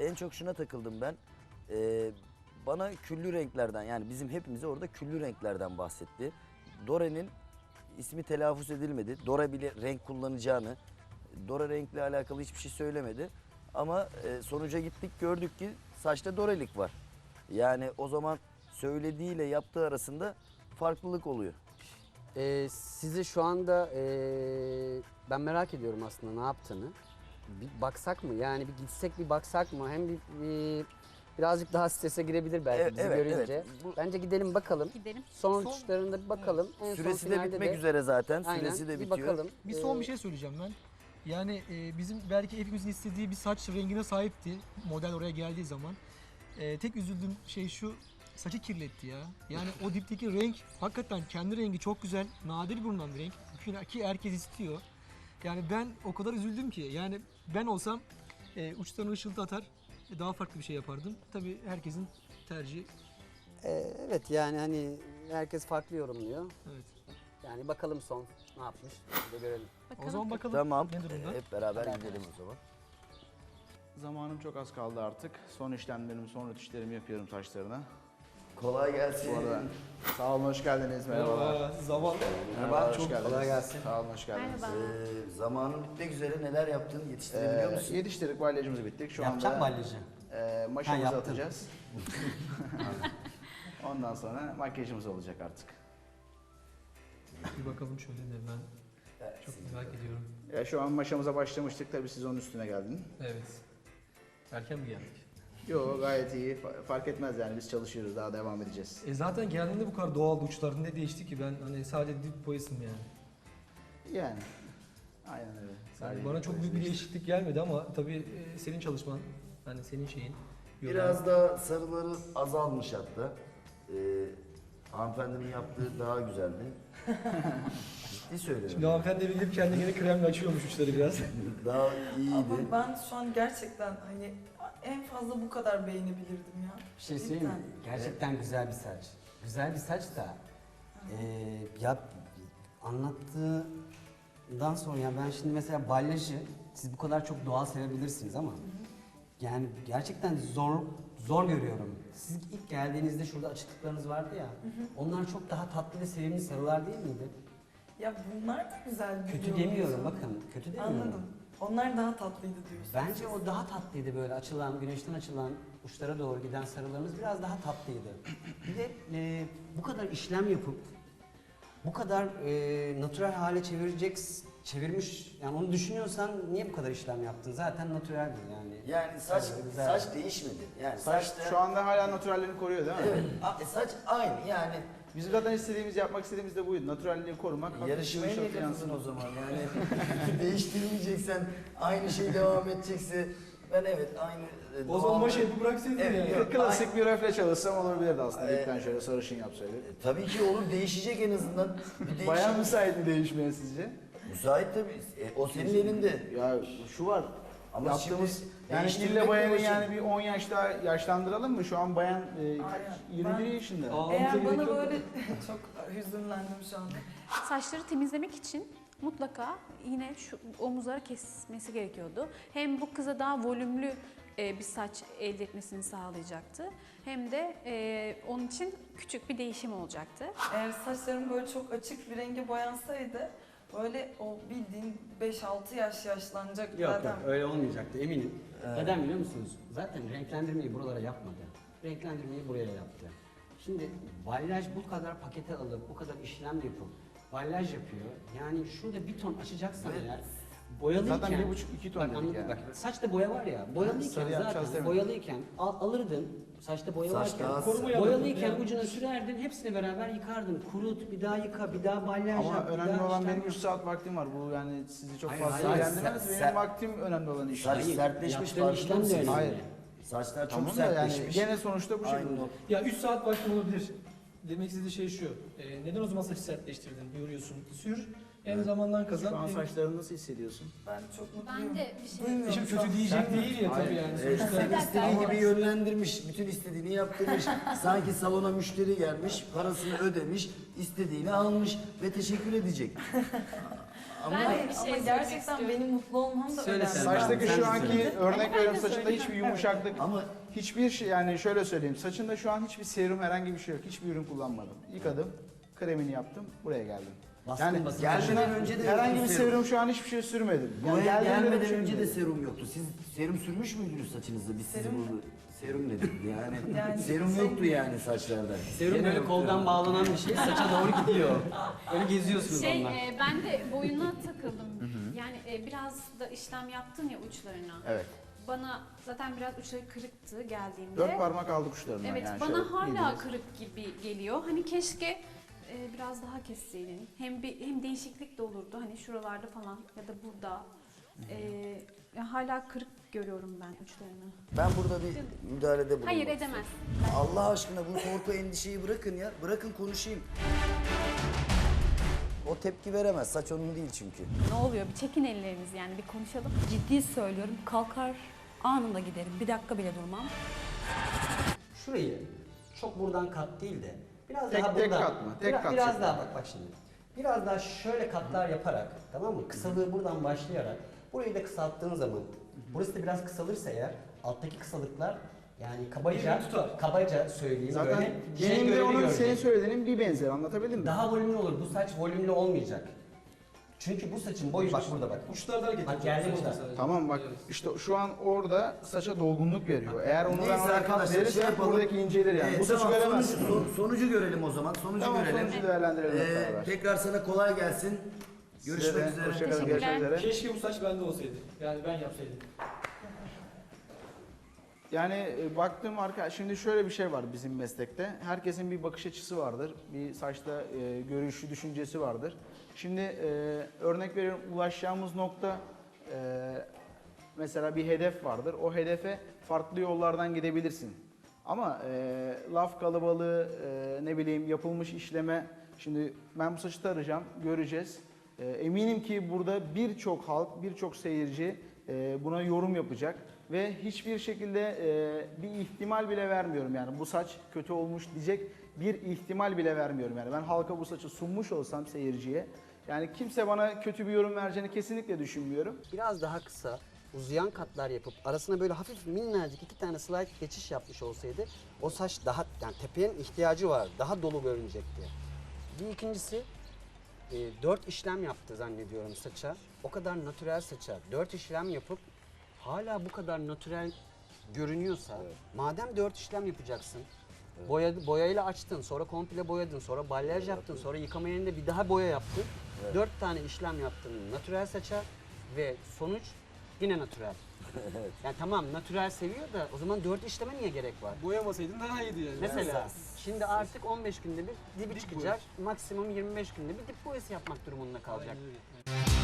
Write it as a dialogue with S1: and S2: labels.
S1: en çok şuna takıldım ben. Bana küllü renklerden, yani bizim hepimize orada küllü renklerden bahsetti. Dore'nin ismi telaffuz edilmedi. Dore bile renk kullanacağını, Dore renkle alakalı hiçbir şey söylemedi. Ama sonuca gittik, gördük ki saçta Dore'lik var. Yani o zaman söylediğiyle yaptığı arasında farklılık oluyor.
S2: Sizi şu anda ben merak ediyorum aslında ne yaptığını. Bir baksak mı? Yani bir gitsek bir baksak mı? Hem birazcık daha strese girebilir belki bizi görünce.
S1: evet.
S2: Bence gidelim bakalım.
S3: Gidelim.
S2: Son uçuşlarında bir bakalım. En son
S1: Süresi de
S2: finalde
S1: bitmek üzere zaten.
S2: Aynen,
S1: Süresi de
S2: bir
S1: bitiyor.
S2: bakalım.
S4: Bir son bir şey söyleyeceğim ben. Yani bizim belki hepimizin istediği bir saç rengine sahipti model oraya geldiği zaman. Tek üzüldüğüm şey şu, saçı kirletti ya. Yani o dipteki renk hakikaten kendi rengi çok güzel, nadir bulunan bir renk ki herkes istiyor. Yani ben o kadar üzüldüm ki, yani ben olsam uçtan ışıltı atar, daha farklı bir şey yapardım. Tabii herkesin tercihi.
S2: Evet yani hani herkes farklı yorumluyor.
S4: Evet.
S2: Yani bakalım son ne yapmış bir de görelim.
S4: O zaman bakalım
S1: Tamam.
S4: ne durumda.
S1: Hep beraber gidelim o zaman.
S5: Zamanım çok az kaldı artık. Son işlemlerimi, son rötuşlarımı yapıyorum saçlarına.
S1: Kolay gelsin.
S5: Bu arada sağ olun, hoş geldiniz. Merhabalar.
S4: Zaman.
S5: Merhaba, hoş
S1: çok
S5: geldiniz.
S1: kolay gelsin.
S5: Sağ olun, hoş geldiniz.
S3: Merhaba.
S1: Zamanın bitmek üzere, neler yaptın? Yetiştirebiliyor musun?
S5: Yetiştirdik, balyajımızı bittik. Şu
S2: Yapacak
S5: anda
S2: balyajı.
S5: maşamızı
S2: yaptım.
S5: atacağız. Ondan sonra makyajımız olacak artık.
S4: Bir bakalım şöyle de ben çok merak ediyorum.
S5: Şu an maşamıza başlamıştık. Tabii siz onun üstüne geldin.
S4: Evet. Erken mi geldik?
S5: Yo, gayet iyi. Fark etmez yani, biz çalışıyoruz. Daha devam edeceğiz.
S4: Zaten geldiğinde bu kadar doğal uçlar ne değişti ki, ben hani sadece dip boyasım yani.
S5: Yani. Aynen öyle.
S4: Yani bana çok büyük bir değişiklik gelmedi ama tabii senin çalışman, hani senin şeyin.
S1: Biraz daha sarıları azalmış hatta. Hanımefendinin yaptığı daha güzeldi. Ciddi söylüyorum.
S4: Şimdi hanımefendi bilip kendini kremle açıyormuş uçları biraz.
S1: Daha iyiydi.
S6: Ama ben şu an gerçekten hani en fazla bu kadar beğenebilirdim ya.
S2: Bir şey söyleyeyim mi? Gerçekten güzel bir saç. Güzel bir saç da ya anlattığından sonra ya ben şimdi mesela balyajı siz bu kadar çok doğal sevebilirsiniz ama yani gerçekten zor görüyorum. Siz ilk geldiğinizde şurada açıklıklarınız vardı ya. Onlar çok daha tatlı ve sevimli sarılar değil miydi?
S6: Ya bunlar da güzel.
S2: Kötü
S6: biliyor
S2: demiyorum
S6: musun?
S2: bakın. Kötü demiyorum.
S6: Anladım. Onlar daha tatlıydı diyorsun.
S2: Bence o daha tatlıydı, böyle açılan, güneşten açılan uçlara doğru giden sarılarınız biraz daha tatlıydı. Bir de bu kadar işlem yapıp bu kadar natürel hale çevirmiş, yani onu düşünüyorsan niye bu kadar işlem yaptın? Zaten natüreldi yani.
S1: Yani saç değişmedi. Yani saçta
S5: Şu anda hala natürelliğini koruyor değil mi?
S1: evet, saç aynı yani.
S5: Bizim zaten yapmak istediğimiz de buydu. Natürelliği korumak.
S1: Yarışmaya niye
S5: hafif
S1: katıldın o zaman? Yani değiştirmeyeceksen, aynı şey devam edecekse, ben evet aynı.
S4: O zaman maşa yapıp bıraksaydın
S1: Evet,
S4: ya.
S1: yok.
S5: Klasik bir röfle çalışsam olabilirdi aslında. Dipten şöyle sarışın yapsaydık.
S1: Tabii ki olur, değişecek en azından. Bir
S5: Bayağı müsait mi değişmeye sizce?
S1: Müsait tabii. O senin elinde.
S5: Ya şu var.
S1: Ama
S5: Yaptığımız
S1: şimdi
S5: yani
S1: değiştirmek
S5: ille bayanı
S1: uğraşın.
S5: yani bir 10 yaş daha yaşlandıralım mı? Şu an bayan 21
S6: Ben-
S5: yaşında.
S6: Eğer bana böyle çok hüzünlendim şu anda.
S3: Saçları temizlemek için mutlaka yine şu omuzları kesmesi gerekiyordu. Hem bu kıza daha volümlü bir saç elde etmesini sağlayacaktı. Hem de onun için küçük bir değişim olacaktı.
S6: Eğer saçlarım böyle çok açık bir renge boyansaydı böyle o bildiğin 5-6 yaş yaşlanacak zaten.
S2: Öyle olmayacaktı eminim. Neden biliyor musunuz? Zaten renklendirmeyi buralara yapmadı. Renklendirmeyi buraya yaptı. Şimdi balyaj bu kadar pakete alıp, bu kadar işlem yapıp balyaj yapıyor. Yani şurada bir ton açacaksan eğer boyalıyken...
S5: Zaten 1,5-2 ton
S2: Bak,
S5: dedik
S2: anladın,
S5: yani.
S2: bak, saçta boya var ya, boyalıyken
S5: Sarı yapacağız
S2: zaten
S5: demedim.
S2: boyalıyken alırdın, saçta boya
S1: Saç
S2: varken,
S1: daha
S4: koruma yapın.
S2: boyalıyken
S4: Yani.
S2: ucuna sürerdin, hepsini beraber yıkardın. Kurut, bir daha yıka, bir daha balyaj
S5: Ama
S2: yap, bir
S5: önemli
S2: daha
S5: olan
S2: işlem
S5: benim
S2: yap.
S5: 3 saat vaktim var. Bu yani sizi çok
S2: Hayır,
S5: fazla
S2: hayır,
S5: ilgilendirmez. Benim
S1: sen-
S5: vaktim önemli olan iş.
S1: Saç
S2: Hayır,
S1: sertleşmiş,
S2: yaptığın
S1: farkında
S2: işlem de
S1: mısın?
S2: önemli.
S5: Hayır.
S1: Saçlar çok
S5: Tamam da yani
S1: sertleşmiş.
S5: gene sonuçta bu
S1: Aynı
S5: şekilde.
S1: o.
S4: Ya 3 saat vaktim olabilir. Demek istediği şey şu. Neden o zaman saçı sertleştirdin, yoruyorsun? Sür, hem zamandan
S5: Şu
S4: kazan.
S5: an
S4: hem-
S5: saçlarını nasıl hissediyorsun?
S6: Ben çok mutluyum.
S3: Ben de bir şey
S6: Duymuyorum
S4: Şimdi
S6: şu an.
S4: kötü diyecek değil ya tabii yani.
S1: Evet,
S4: Sonuçta
S1: seni istediği gibi yönlendirmiş, bütün istediğini yaptırmış. Sanki salona müşteri gelmiş, parasını ödemiş, istediğini almış ve teşekkür edecek.
S6: Hayır
S3: bir şey
S6: ama
S3: söylemek
S6: gerçekten
S3: istiyorum.
S6: benim mutlu olmam da
S2: Söyle
S6: önemli.
S2: sen.
S5: Saçtaki
S2: Sen
S5: şu
S2: de
S5: anki
S2: söyle.
S5: örnek veriyorum saçında hiçbir yumuşaklık,
S1: Ama
S5: hiçbir şey, yani şöyle söyleyeyim, saçında şu an hiçbir serum, herhangi bir şey yok. Hiçbir ürün kullanmadım. Yıkadım, kremini yaptım, buraya geldim.
S2: Bastın
S5: Yani
S2: basın.
S1: gelmeden önce de
S5: herhangi
S1: yoktu
S5: bir serum, şu an hiçbir şey sürmedim.
S1: Buraya
S5: geldiğimde de bir
S1: gelmeden
S5: şey
S1: önce de
S5: sürmedim.
S1: serum yoktu. Siz serum sürmüş müydünüz saçınızda? Biz sizi
S6: Serum mu?
S1: burada serum dedik yani.
S6: Yani
S1: serum
S6: şey-
S1: yoktu yani saçlarda.
S2: Serum
S1: Gene
S2: böyle
S1: yoktu.
S2: koldan bağlanan bir şey saça doğru gidiyor. Öyle geziyorsunuz onunla.
S3: Ben de boyuna takıldım. Yani biraz da işlem yaptın ya uçlarına.
S5: Evet.
S3: Bana zaten biraz uçları kırıktı geldiğimde.
S5: 4 parmak aldık uçlarından
S3: Evet,
S5: yani.
S3: bana
S5: şöyle
S3: hala
S5: bildiğiniz.
S3: kırık gibi geliyor. Hani keşke biraz daha kesseydin. Hem değişiklik de olurdu. Hani şuralarda falan ya da burada. Ya hala kırık görüyorum ben uçlarını.
S1: Ben burada bir müdahalede bulunmak
S3: Hayır
S1: istiyorum.
S3: edemez.
S1: Allah aşkına bu korku endişeyi bırakın ya. Bırakın konuşayım. O tepki veremez. Saç onun değil çünkü.
S3: Ne oluyor? Bir çekin ellerinizi yani bir konuşalım.
S7: Ciddi söylüyorum. Kalkar anında giderim. Bir dakika bile durmam.
S2: Şurayı çok buradan kat değil de biraz
S5: Tek
S2: daha
S5: tek
S2: buradan.
S5: kat mı? Tek kat
S2: Biraz
S5: şeklinde.
S2: daha bak şimdi. Biraz daha şöyle katlar yaparak, tamam mı? Kısalığı buradan başlayarak burayı da kısalttığın zaman burası da biraz kısalırsa eğer alttaki kısalıklar yani kabaca söyleyeyim
S5: Zaten
S2: böyle
S5: benim de
S2: görünü
S5: onun
S2: görecek.
S5: senin söylediğinin bir benzeri, anlatabildim mi?
S2: Daha volümlü olur. Bu saç volümlü olmayacak. Çünkü bu saçın boyu bak burada bak.
S4: Uçlarda hareket
S2: Bak
S4: edecek.
S2: geldi
S4: Saçta
S2: uçlar.
S4: sadece.
S5: Tamam bak işte şu an orada saça dolgunluk veriyor. Eğer onu ben
S1: Neyse
S5: ona kat
S1: arkadaşlar
S5: verirsem buradaki incelir yani. Bu saçı
S1: tamam,
S5: göremezsin.
S1: sonucu görelim o zaman. Sonucu
S5: Tamam,
S1: görelim.
S5: sonucu değerlendirelim hep beraber.
S1: Tekrar sana kolay gelsin. Görüşmek üzere.
S5: Hoşçakalın, görüşmek üzere.
S4: Keşke bu saç bende olsaydı. Yani ben yapsaydım.
S5: Yani baktığım şimdi şöyle bir şey var bizim meslekte. Herkesin bir bakış açısı vardır. Bir saçta görüşü, düşüncesi vardır. Şimdi örnek veriyorum, ulaşacağımız nokta mesela bir hedef vardır. O hedefe farklı yollardan gidebilirsin. Ama laf kalabalığı, ne bileyim yapılmış işleme, şimdi ben bu saçı tarayacağım, göreceğiz. Eminim ki burada birçok halk, birçok seyirci buna yorum yapacak. Ve hiçbir şekilde bir ihtimal bile vermiyorum yani bu saç kötü olmuş diyecek bir ihtimal bile vermiyorum yani. Ben halka bu saçı sunmuş olsam seyirciye, yani kimse bana kötü bir yorum vereceğini kesinlikle düşünmüyorum.
S2: Biraz daha kısa, uzayan katlar yapıp arasına böyle hafif minnacık 2 tane slide geçiş yapmış olsaydı o saç daha, yani tepenin ihtiyacı var, daha dolu görünecekti. Bir ikincisi 4 işlem yaptı zannediyorum saça. O kadar natürel saça 4 işlem yapıp hala bu kadar natürel görünüyorsa, madem 4 işlem yapacaksın, boyayla açtın, sonra komple boyadın, sonra balyaj yaptın, sonra yıkama yerinde bir daha boya yaptın. 4 tane işlem yaptın natürel saça ve sonuç yine natürel. Yani tamam natürel seviyor da o zaman 4 işleme niye gerek var?
S4: Boyamasaydın daha iyiydi yani.
S2: Mesela şimdi artık 15 günde bir dibi çıkacak, maksimum 25 günde bir dip boyası yapmak durumunda kalacak.
S4: Aynen öyle.